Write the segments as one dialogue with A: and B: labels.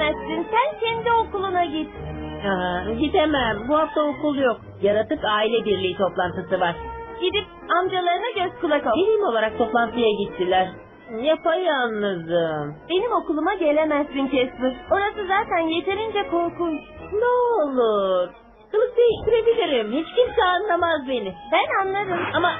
A: gidemezsin. Sen kendi okuluna git.
B: Gidemem. Bu hafta okul yok. Yaratık aile birliği toplantısı var.
A: Gidip amcalarına göz kulak ol.
B: Birim olarak toplantıya gittiler. Yapayalnızım.
A: Benim okuluma gelemezsin Casper. Orası zaten yeterince korkunç.
B: Ne olur. Kılık değiştirebilirim. Hiç kimse anlamaz beni.
A: Ben anlarım.
B: Ama...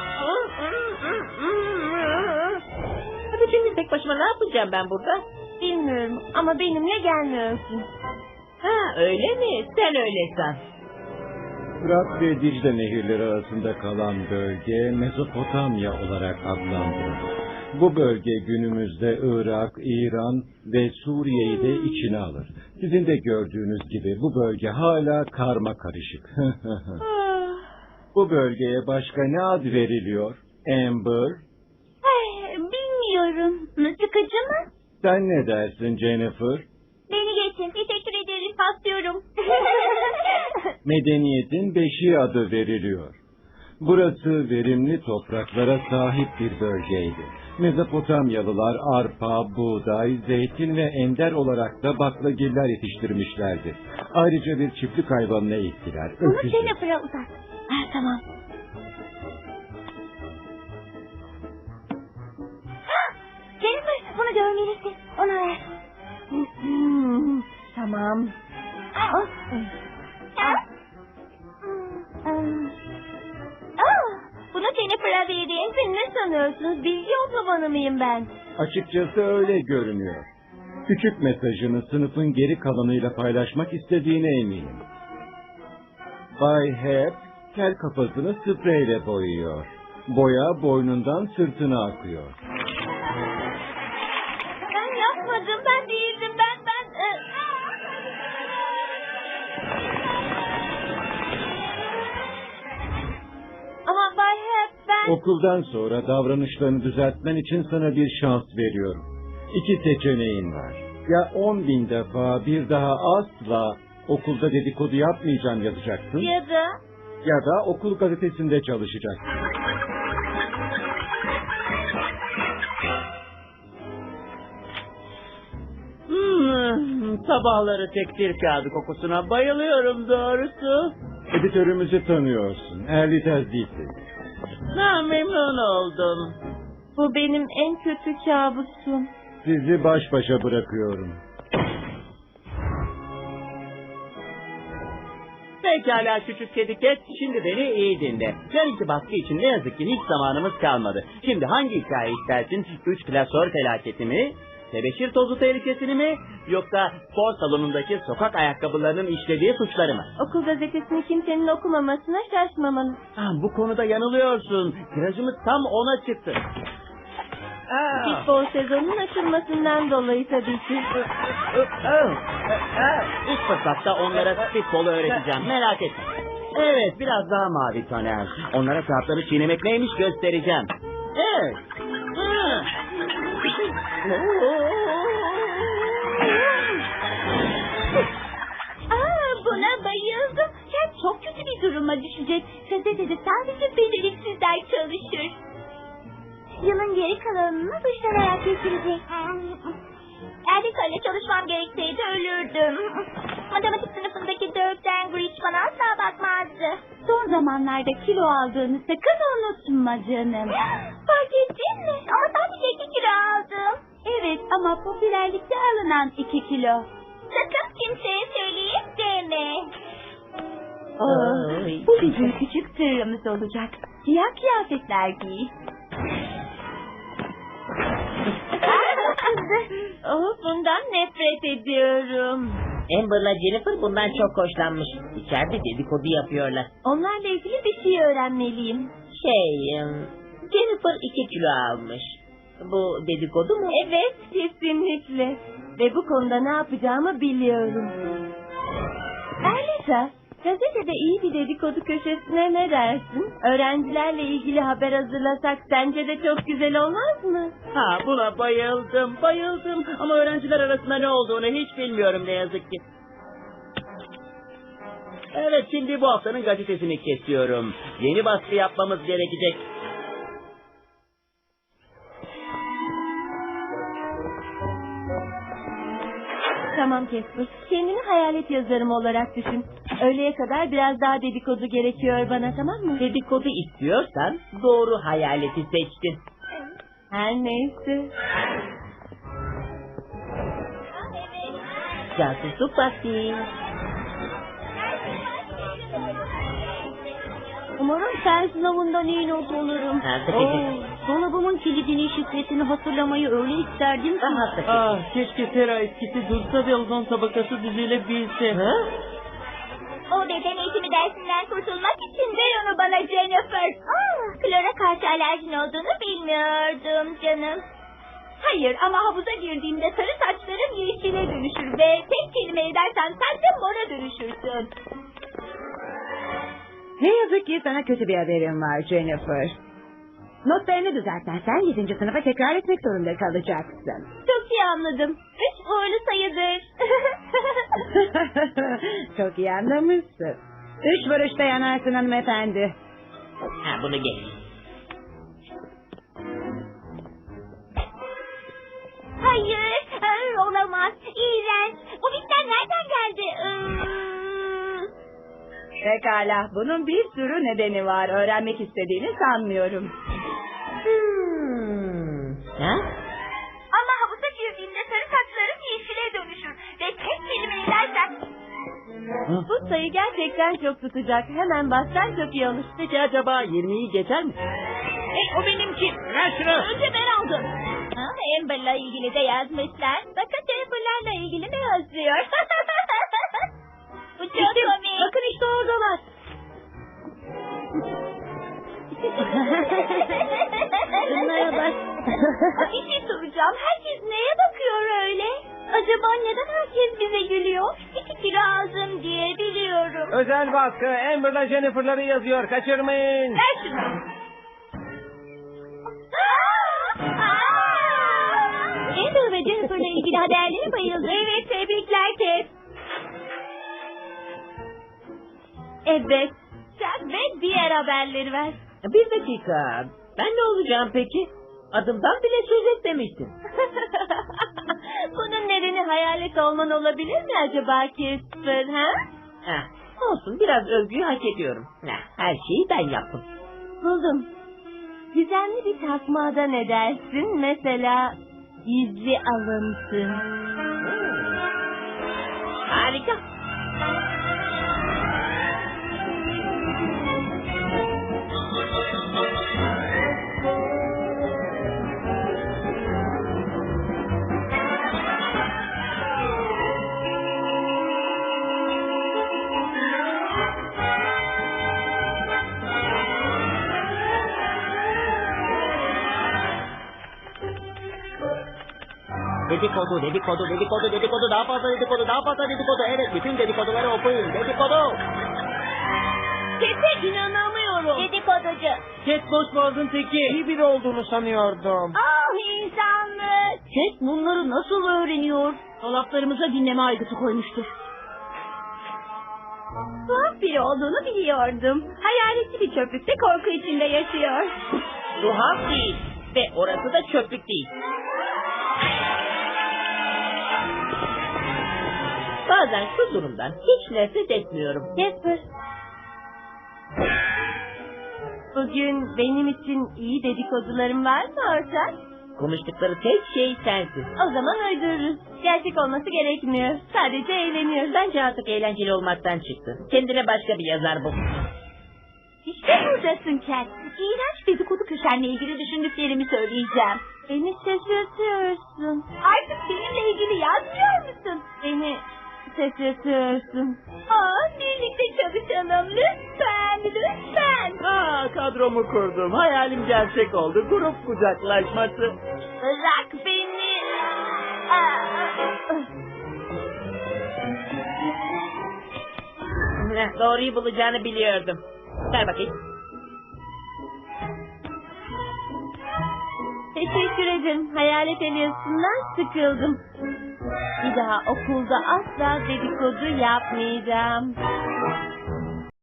B: Hadi şimdi tek başıma ne yapacağım ben burada?
A: Bilmiyorum ama benimle gelmiyorsun.
B: Ha öyle mi? Sen öyle san.
C: Fırat ve Dicle nehirleri arasında kalan bölge Mezopotamya olarak adlandırılır. Bu bölge günümüzde Irak, İran ve Suriye'yi de içine alır. Sizin de gördüğünüz gibi bu bölge hala karma karışık. Bu bölgeye başka ne ad veriliyor? Amber?
A: Bilmiyorum. Sıkıcı mı?
C: Sen ne dersin Jennifer?
A: Beni geçin. Teşekkür ederim. Paslıyorum.
C: Medeniyetin beşiği adı veriliyor. Burası verimli topraklara sahip bir bölgeydi. Mezopotamyalılar arpa, buğday, zeytin ve ender olarak da baklagiller yetiştirmişlerdi. Ayrıca bir çiftlik hayvanına ektiler.
A: Bunu
C: Öküzü.
A: Jennifer'a uzat. Tamam. Jennifer bunu görmelisin. Ona ver. Tamam. Bunu Jennifer'a vereyim. Sen ne sanıyorsunuz? Bilgi otobanı mıyım ben?
C: Açıkçası öyle görünüyor. Küçük mesajını sınıfın geri kalanıyla paylaşmak istediğine eminim. Bay Hep, kel kafasını spreyle boyuyor. Boya boynundan sırtına akıyor.
A: Ben yapmadım. Ben değildim. Ama Bay Hep ben...
C: Okuldan sonra davranışlarını düzeltmen için sana bir şans veriyorum. 2 seçeneğin var. Ya 10.000 defa bir daha asla okulda dedikodu yapmayacağım yazacaksın. Ya da okul gazetesinde çalışacaksın.
B: Sabahları tekstil kağıdı kokusuna bayılıyorum doğrusu.
C: Editörümüzü tanıyorsun. Early Tezlisi.
B: Memnun oldum.
A: Bu benim en kötü kabusum.
C: Sizi baş başa bırakıyorum.
D: Pekala küçük kedi ket, şimdi beni iyi dinle. Yarınki baskı için ne yazık ki hiç zamanımız kalmadı. Şimdi hangi hikaye istersin? 3 klasör felaketi mi? Tebeşir tozu tehlikesini mi? Yoksa spor salonundaki sokak ayakkabılarının işlediği suçları mı?
A: Okul gazetesini kimsenin okumamasına şaşmamalı.
D: Bu konuda yanılıyorsun. Tirajımız tam 10'a çıktı.
A: Futbol sezonunun açılmasından dolayı tabii ki.
D: İlk fırsatta onlara futbolu öğreteceğim. Merak etme. Evet, biraz daha mavi Taner. Onlara kağıtları çiğnemek neymiş göstereceğim. Evet.
A: Buna bayıldım. Sen çok kötü bir duruma düşecek. Gazetede sadece beceriksizler çalışır. Yılın geri kalanını dışlanarak geçirecek. Eğer bir kale çalışmam gerekseydi ölürdüm. Matematik sınıfındaki Dirk Dangridge bana asla bakmazdı. Son zamanlarda kilo aldığını sakın unutma canım. Fark ettin mi? Ama sadece 2 kilo aldım. Evet ama popülerlikte alınan 2 kilo. Sakın kimseye söyleyeyim deme. Bu bizim küçük sırrımız olacak. Siyah kıyafetler giy. Bundan nefret ediyorum.
B: Amber'la Jennifer bundan çok hoşlanmış. İçeride dedikodu yapıyorlar.
A: Onlarla ilgili bir şey öğrenmeliyim.
B: Jennifer 2 kilo almış. Bu dedikodu mu?
A: Evet, kesinlikle. Ve bu konuda ne yapacağımı biliyorum. Ayrıca gazetede iyi bir dedikodu köşesine ne dersin? Öğrencilerle ilgili haber hazırlasak sence de çok güzel olmaz mı?
D: Buna bayıldım. Ama öğrenciler arasında ne olduğunu hiç bilmiyorum ne yazık ki. Evet, şimdi bu haftanın gazetesini kesiyorum. Yeni baskı yapmamız gerekecek.
A: Tamam.
B: Tamam Casper. Kendini hayalet yazarım olarak düşün. Öğleye kadar biraz daha dedikodu gerekiyor bana, tamam mı?
D: Dedikodu istiyorsan doğru hayaleti seçtin.
B: Her neyse.
D: Casusluk vakti.
B: Umarım sen sınavından iyi not alırım. Dolabımın kilidini, şifresini hatırlamayı öyle isterdim ki.
D: Keşke Tera etkisi dursa ve ozon tabakası düzelebilse.
A: O beden eğitimi dersinden kurtulmak için ver onu bana Jennifer. Klora karşı alerjin olduğunu bilmiyordum canım. Hayır ama havuza girdiğimde sarı saçlarım yeşile dönüşür ve tek kelime edersen sen de mora dönüşürsün.
E: Ne yazık ki sana kötü bir haberim var Jennifer. Notlarını düzeltmezsen 7. sınıfa tekrar etmek zorunda kalacaksın.
A: Çok iyi anladım. 3 uğurlu sayıdır.
E: Çok iyi anlamışsın. 3 vuruşta yanarsın hanımefendi.
D: Bunu geç.
A: Hayır, olamaz. İğrenç. O bitten nereden geldi?
E: Pekala, bunun bir sürü nedeni var. Öğrenmek istediğini sanmıyorum.
A: Ama havuza girdiğimde sarı saçlarım yeşile dönüşür. Ve tek kelime edersen...
B: Bu sayı gerçekten çok tutacak. Hemen bassan çok iyi olur.
D: Peki acaba 20'yi geçer mi?
A: o benimki.
D: Ver şunu.
A: Önce ben aldım. Amber'la ilgili de yazmışlar. Bakın Jennifer'larla ilgili ne yazıyor? Bu çok komik.
B: Bakın işte oradalar. Şunlara bak.
A: Bir şey soracağım. Herkes neye bakıyor öyle? Acaba neden herkes bize gülüyor? 2 kilo aldım diye biliyorum.
C: Özel baskı Amber'la Jennifer'ları yazıyor. Kaçırmayın.
A: Ver şunu.
B: Amber ve Jennifer'la ilgili haberlere bayıldım.
A: Evet, tebrikler Kes.
B: Evet.
A: Sen ve diğer haberleri ver.
D: Bir dakika. Ben ne olacağım peki? Adımdan bile söz etmemiştin.
B: Bunun nedeni hayalet olman olabilir mi acaba Casper, ha?
D: Olsun, biraz övgüyü hak ediyorum. Her şeyi ben yaptım.
B: Buldum. Gizemli bir takmada ne dersin? Mesela gizli alıntı.
D: Harika. Dedikodu, daha fazla dedikodu. Evet, bütün dedikoduları okuyun. Dedikodu.
A: Kes'e inanamıyorum. Dedikoducu.
D: Kes boş boğazın teki.
C: İyi biri olduğunu sanıyordum.
A: İnsanlık.
B: Kes bunları nasıl öğreniyor? Dolaplarımıza dinleme aygıtı koymuştur.
A: Tuhaf biri olduğunu biliyordum. Hayaletli bir çöplükte korku içinde yaşıyor.
D: Tuhaf değil. Ve orası da çöplük değil. Bazen şu durumdan hiç nefret etmiyorum.
B: Casper. Bugün benim için iyi dedikodularım var mı ortak?
D: Konuştukları tek şey sensin.
B: O zaman uydururuz. Gerçek olması gerekmiyor. Sadece eğleniyoruz.
D: Bence artık eğlenceli olmaktan çıktı. Kendine başka bir yazar bul.
A: İşte buradasın Cat. İğrenç dedikodu köşenle ilgili düşündüklerimi söyleyeceğim.
B: Beni şaşırtıyorsun.
A: Artık benimle ilgili yazmıyor musun?
B: Beni şaşırtıyorsun.
A: Birlikte çalışalım. Lütfen.
D: Kadromu kurdum. Hayalim gerçek oldu. Grup kucaklaşması.
A: Bırak beni.
D: Doğruyu bulacağını biliyordum. Ver bakayım.
B: Teşekkür ederim. Hayalet Elias'ından sıkıldım. Bir daha okulda asla dedikodu yapmayacağım.